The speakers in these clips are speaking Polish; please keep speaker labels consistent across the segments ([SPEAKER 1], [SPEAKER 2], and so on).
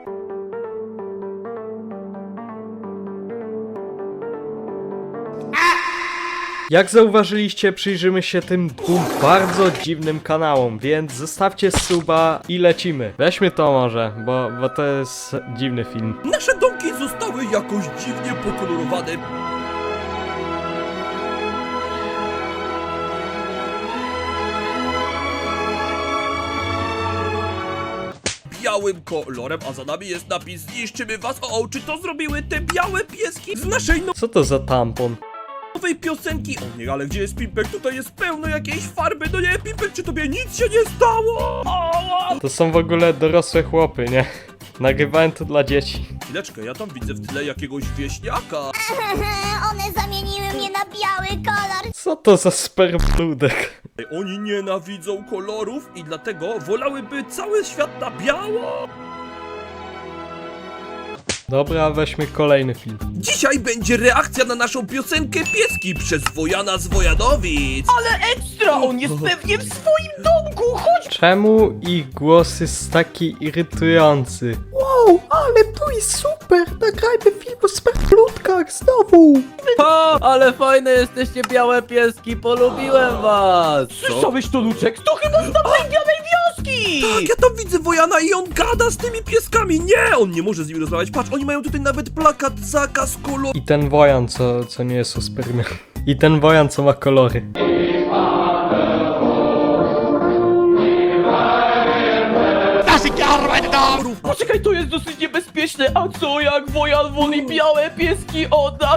[SPEAKER 1] Jak zauważyliście, przyjrzymy się tym dwóm bardzo dziwnym kanałom, więc zostawcie suba i lecimy. Weźmy to może, bo to jest dziwny film.
[SPEAKER 2] Nasze domki zostały jakoś dziwnie pokolorowane. Białym kolorem, a za nami jest napis: zniszczymy was. O, czy to zrobiły te białe pieski z naszej
[SPEAKER 1] Co to za tampon?
[SPEAKER 2] nowej piosenki? O nie, ale gdzie jest Pimpek? Tutaj jest pełno jakiejś farby. No nie, Pimpek, czy tobie nic się nie stało?
[SPEAKER 1] To są w ogóle dorosłe chłopy, nie? Nagrywałem to dla dzieci.
[SPEAKER 2] Chwileczkę, ja tam widzę w tle jakiegoś wieśniaka.
[SPEAKER 3] One zamieniły mnie na biały kolor.
[SPEAKER 1] Co to za spermludek?
[SPEAKER 2] Oni nienawidzą kolorów i dlatego wolałyby cały świat na biało.
[SPEAKER 1] Dobra, weźmy kolejny film.
[SPEAKER 2] Dzisiaj będzie reakcja na naszą piosenkę Pieski przez Wojana z Wojanowic.
[SPEAKER 4] Ekstra, on jest pewnie w swoim domku, chodź!
[SPEAKER 1] Czemu ich głos jest taki irytujący?
[SPEAKER 4] Wow, ale to jest super, nagrajmy film o spermlutkach znowu!
[SPEAKER 5] O, ale fajne jesteście białe pieski, polubiłem was!
[SPEAKER 4] Słyszałeś to, Luczek? To chyba z tamtej białej wioski!
[SPEAKER 2] Tak, ja tam widzę Wojana i on gada z tymi pieskami. Nie, on nie może z nimi rozmawiać. Patrz, oni mają tutaj nawet plakat zakaz koloru.
[SPEAKER 1] I ten wojan, co nie jest o spermie. I ten wojan, co ma kolory.
[SPEAKER 4] Poczekaj, to jest dosyć niebezpieczne, a co jak Wojan woli białe pieski od nas?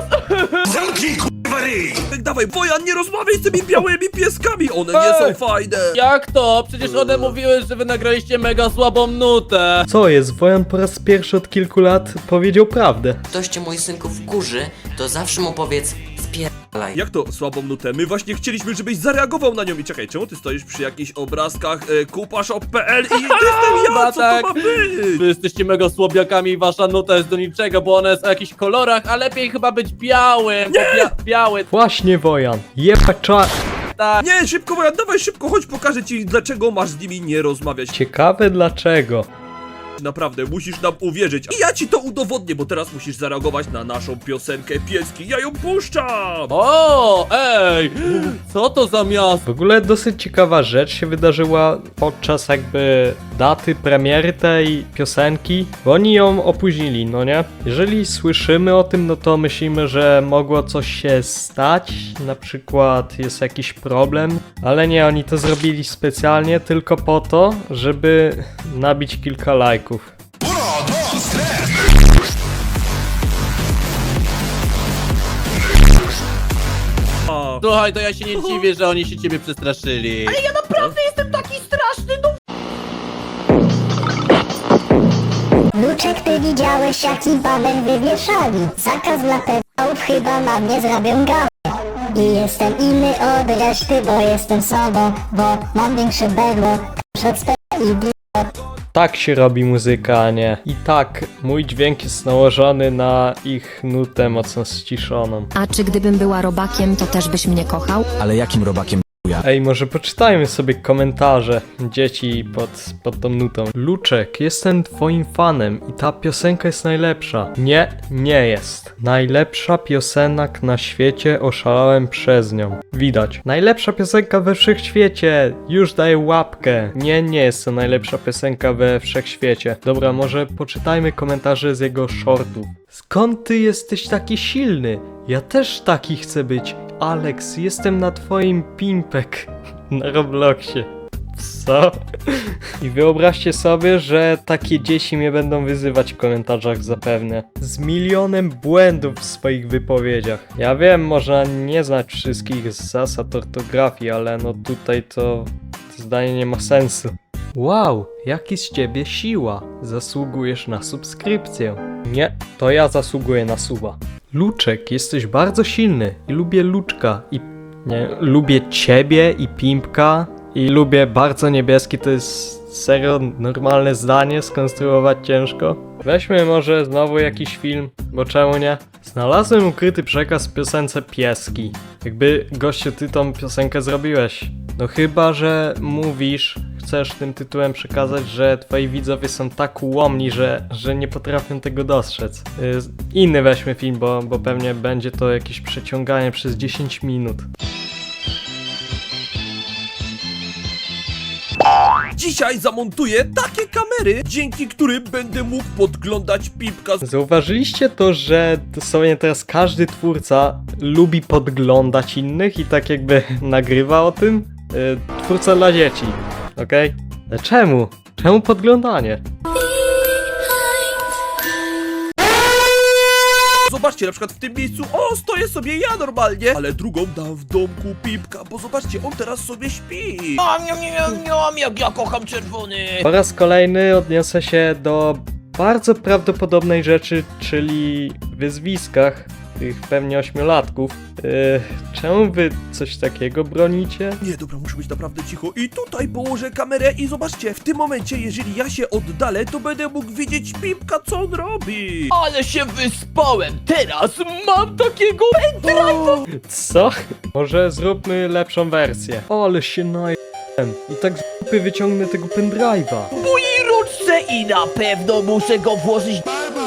[SPEAKER 2] Dawaj, Wojan, nie rozmawiaj z tymi białymi pieskami, one nie są fajne.
[SPEAKER 5] Jak to? Przecież one mówiły, że wy nagraliście mega słabą nutę!
[SPEAKER 1] Co jest? Wojan po raz pierwszy od kilku lat powiedział prawdę.
[SPEAKER 6] Ktoś cię, mój synku, wkurzy, to zawsze mu powiedz spierdalaj.
[SPEAKER 2] Jak to słabą nutę? My właśnie chcieliśmy, żebyś zareagował na nią. I czekaj, czemu ty stoisz przy jakichś obrazkach kupashop.pl i jestem ja,
[SPEAKER 5] Chyba
[SPEAKER 2] co
[SPEAKER 5] tak.
[SPEAKER 2] to ma być?
[SPEAKER 5] Wy jesteście mega słabiakami i wasza nuta jest do niczego, bo ona jest o jakichś kolorach, a lepiej chyba być białym, bo biały,
[SPEAKER 1] Właśnie Wojan. Jebać czas.
[SPEAKER 5] tak.
[SPEAKER 2] Nie, szybko Wojan, dawaj szybko, chodź pokażę ci, dlaczego masz z nimi nie rozmawiać.
[SPEAKER 1] Ciekawe dlaczego.
[SPEAKER 2] Naprawdę, musisz nam uwierzyć. I ja ci to udowodnię, bo teraz musisz zareagować na naszą piosenkę Pieski. Ja ją puszczam!
[SPEAKER 5] O, ej! Co to za miasto?
[SPEAKER 1] W ogóle dosyć ciekawa rzecz się wydarzyła podczas jakby daty premiery tej piosenki, bo oni ją opóźnili, no nie? Jeżeli słyszymy o tym, no to myślimy, że mogło coś się stać, na przykład jest jakiś problem, ale nie, oni to zrobili specjalnie tylko po to, żeby nabić kilka lajków.
[SPEAKER 2] A,
[SPEAKER 5] Słuchaj, to ja się nie dziwię, że oni się ciebie przestraszyli.
[SPEAKER 4] Ja naprawdę jestem taki straszny, no
[SPEAKER 3] Luczek, ty widziałeś, jaki babel wywieszali. Zakaz dla pedałów, chyba na mnie zrobią gałę. I jestem inny od reszty, bo jestem sobą, bo mam większe berło. Przed i
[SPEAKER 1] Tak się robi muzyka, a nie. I tak, mój dźwięk jest nałożony na ich nutę mocno ściszoną.
[SPEAKER 7] A czy gdybym była robakiem, to też byś mnie kochał?
[SPEAKER 8] Ale jakim robakiem ja?
[SPEAKER 1] Ej, może poczytajmy sobie komentarze dzieci pod tą nutą. Luczek, jestem twoim fanem i ta piosenka jest najlepsza. Nie, nie jest. Najlepsza piosenek na świecie, oszalałem przez nią. Widać. Najlepsza piosenka we wszechświecie. Już daję łapkę. Nie, nie jest to najlepsza piosenka we wszechświecie. Dobra, może poczytajmy komentarze z jego shortów. Skąd ty jesteś taki silny? Ja też taki chcę być. Alex, jestem na twoim Pimpek na Robloxie. Co? I wyobraźcie sobie, że takie dzieci mnie będą wyzywać w komentarzach zapewne. Z milionem błędów w swoich wypowiedziach. Ja wiem, można nie znać wszystkich zasad ortografii, ale no tutaj to zdanie nie ma sensu. Wow, jaki z ciebie siła. Zasługujesz na subskrypcję. Nie, to ja zasługuję na suba. Luczek, jesteś bardzo silny i lubię Luczka i... nie, lubię ciebie i Pimpka i lubię bardzo niebieski, to jest serio normalne zdanie, skonstruować ciężko. Weźmy może znowu jakiś film, bo czemu nie? Znalazłem ukryty przekaz w piosence Pieski. Jakby, gościu, ty tą piosenkę zrobiłeś. No chyba, że mówisz, chcesz tym tytułem przekazać, że twoi widzowie są tak ułomni, że nie potrafią tego dostrzec. Inny weźmy film, bo pewnie będzie to jakieś przeciąganie przez 10 minut.
[SPEAKER 2] Dzisiaj zamontuję takie kamery, dzięki którym będę mógł podglądać Pipka.
[SPEAKER 1] Zauważyliście to, że dosłownie teraz każdy twórca lubi podglądać innych i tak jakby nagrywa o tym? Twórca dla dzieci, okej? Ale czemu? Czemu podglądanie?
[SPEAKER 2] Zobaczcie, na przykład w tym miejscu, stoję sobie ja normalnie, ale drugą dam w domku Pipka, bo zobaczcie, on teraz sobie śpi.
[SPEAKER 4] Jak ja kocham czerwony.
[SPEAKER 1] Po raz kolejny odniosę się do bardzo prawdopodobnej rzeczy, czyli wyzwiskach tych pewnie 8-latków. Czemu wy coś takiego bronicie?
[SPEAKER 2] Nie, dobra, muszę być naprawdę cicho. I tutaj położę kamerę i zobaczcie, w tym momencie, jeżeli ja się oddalę, to będę mógł widzieć Pipka, co on robi.
[SPEAKER 4] Ale się wyspałem. Teraz mam takiego
[SPEAKER 1] Co? Może zróbmy lepszą wersję. Ale się najem. I tak z dupy wyciągnę tego pendrive'a.
[SPEAKER 4] w mojej ruczce i na pewno muszę go włożyć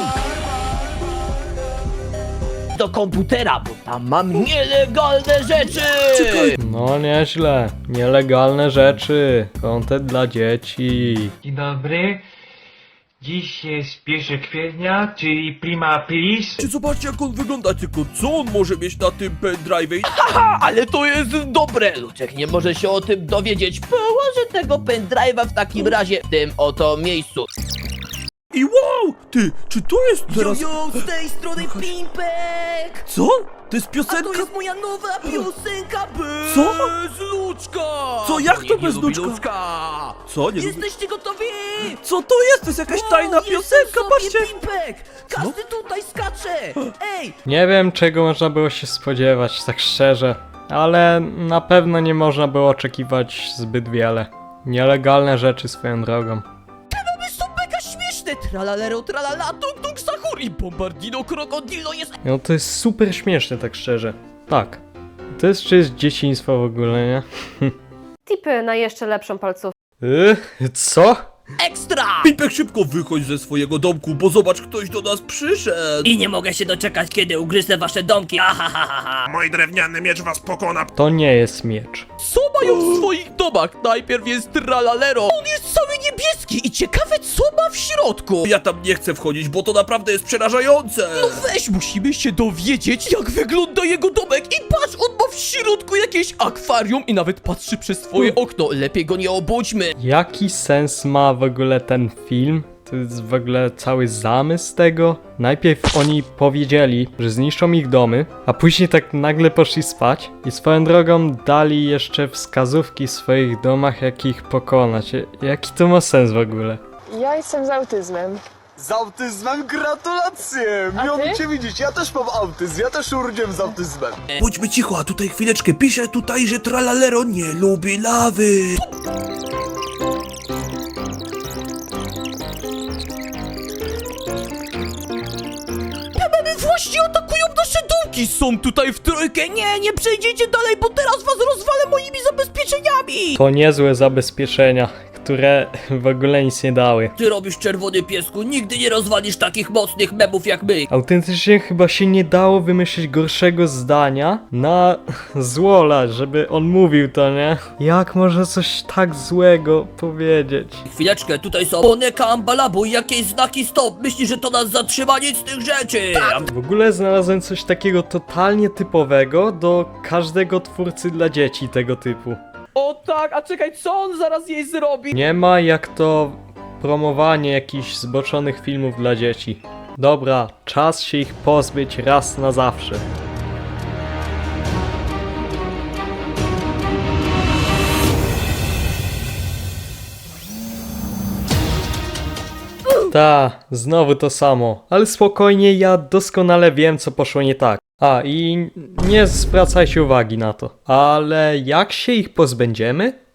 [SPEAKER 4] do komputera, bo tam mam nielegalne rzeczy.
[SPEAKER 1] No nieźle. Nielegalne rzeczy. Content dla dzieci.
[SPEAKER 8] Dzień dobry. Dziś jest 1 kwietnia, czyli prima aprilis.
[SPEAKER 2] Czy zobaczcie, jak on wygląda, tylko co on może mieć na tym pendrive'ie?
[SPEAKER 4] Ale to jest dobre. Luczek nie może się o tym dowiedzieć. Położę tego pendrive'a w takim razie w tym oto miejscu.
[SPEAKER 2] I wow! Ty, czy to jest teraz...
[SPEAKER 4] z tej strony Pimpek!
[SPEAKER 2] Co? To jest piosenka?
[SPEAKER 4] moja nowa piosenka bez
[SPEAKER 2] Co?
[SPEAKER 4] Luczka!
[SPEAKER 2] Co? Jak to
[SPEAKER 4] Nikt
[SPEAKER 2] bez
[SPEAKER 4] nie lubi
[SPEAKER 2] Luczka? Co? Nie lubię...
[SPEAKER 4] Jesteście gotowi?
[SPEAKER 2] Co to jest? To jest jakaś tajna piosenka, patrzcie!
[SPEAKER 4] Pimpek! Każdy tutaj skacze! Ej!
[SPEAKER 1] Nie wiem, czego można było się spodziewać, tak szczerze. Ale na pewno nie można było oczekiwać zbyt wiele. Nielegalne rzeczy swoją drogą.
[SPEAKER 4] Są mega śmieszne! Tralalero, tralala, tung tung sahur i bombardino krokodilo jest...
[SPEAKER 1] No to jest super śmieszne, tak szczerze. Tak. To jest czyjeś dzieciństwo w ogóle, nie?
[SPEAKER 9] Tipy na jeszcze lepszą palcówkę.
[SPEAKER 1] Co?
[SPEAKER 4] Ekstra!
[SPEAKER 2] Pipek, szybko wychodź ze swojego domku, bo zobacz, ktoś do nas przyszedł!
[SPEAKER 4] I nie mogę się doczekać, kiedy ugryzę wasze domki.
[SPEAKER 10] Mój drewniany miecz was pokona.
[SPEAKER 1] To nie jest miecz.
[SPEAKER 4] Co mają w swoich domach? Najpierw jest tralalero. On jest cały niebieski i ciekawe, co ma w środku.
[SPEAKER 2] Ja tam nie chcę wchodzić, bo to naprawdę jest przerażające!
[SPEAKER 4] No weź, musimy się dowiedzieć, jak wygląda jego domek. I patrz, on ma w środku jakieś akwarium i nawet patrzy przez swoje okno. Lepiej go nie obudźmy.
[SPEAKER 1] Jaki sens ma w ogóle ten film? To jest w ogóle cały zamysł tego. Najpierw oni powiedzieli, że zniszczą ich domy, a później tak nagle poszli spać i swoją drogą dali jeszcze wskazówki w swoich domach, jak ich pokonać. Jaki to ma sens w ogóle?
[SPEAKER 9] Ja jestem z autyzmem.
[SPEAKER 10] Z autyzmem gratulacje! Miło mi cię widzieć, ja też mam autyzm, ja też urodziłem z autyzmem.
[SPEAKER 2] Bądźmy cicho, a tutaj chwileczkę pisze tutaj, że tralalero nie lubi lawy!
[SPEAKER 4] Właśnie atakują nasze domki! Są tutaj w trójkę! Nie przejdziecie dalej, bo teraz was rozwalę moimi zabezpieczeniami!
[SPEAKER 1] To niezłe zabezpieczenia, które w ogóle nic nie dały.
[SPEAKER 4] Ty robisz, czerwony piesku, nigdy nie rozwalisz takich mocnych memów jak my!
[SPEAKER 1] Autentycznie chyba się nie dało wymyślić gorszego zdania na Złola, żeby on mówił to, nie? Jak można coś tak złego powiedzieć?
[SPEAKER 4] Chwileczkę, tutaj są Boneka Ambalabu i jakieś znaki stop! Myślisz, że to nas zatrzyma? Nic z tych rzeczy!
[SPEAKER 1] W ogóle znalazłem coś takiego totalnie typowego do każdego twórcy dla dzieci tego typu.
[SPEAKER 4] O tak, a czekaj, co on zaraz jej zrobi?
[SPEAKER 1] Nie ma jak to promowanie jakichś zboczonych filmów dla dzieci. Dobra, czas się ich pozbyć raz na zawsze. Ta, znowu to samo, ale spokojnie, ja doskonale wiem, co poszło nie tak. A, i nie zwracajcie uwagi na to. Ale jak się ich pozbędziemy?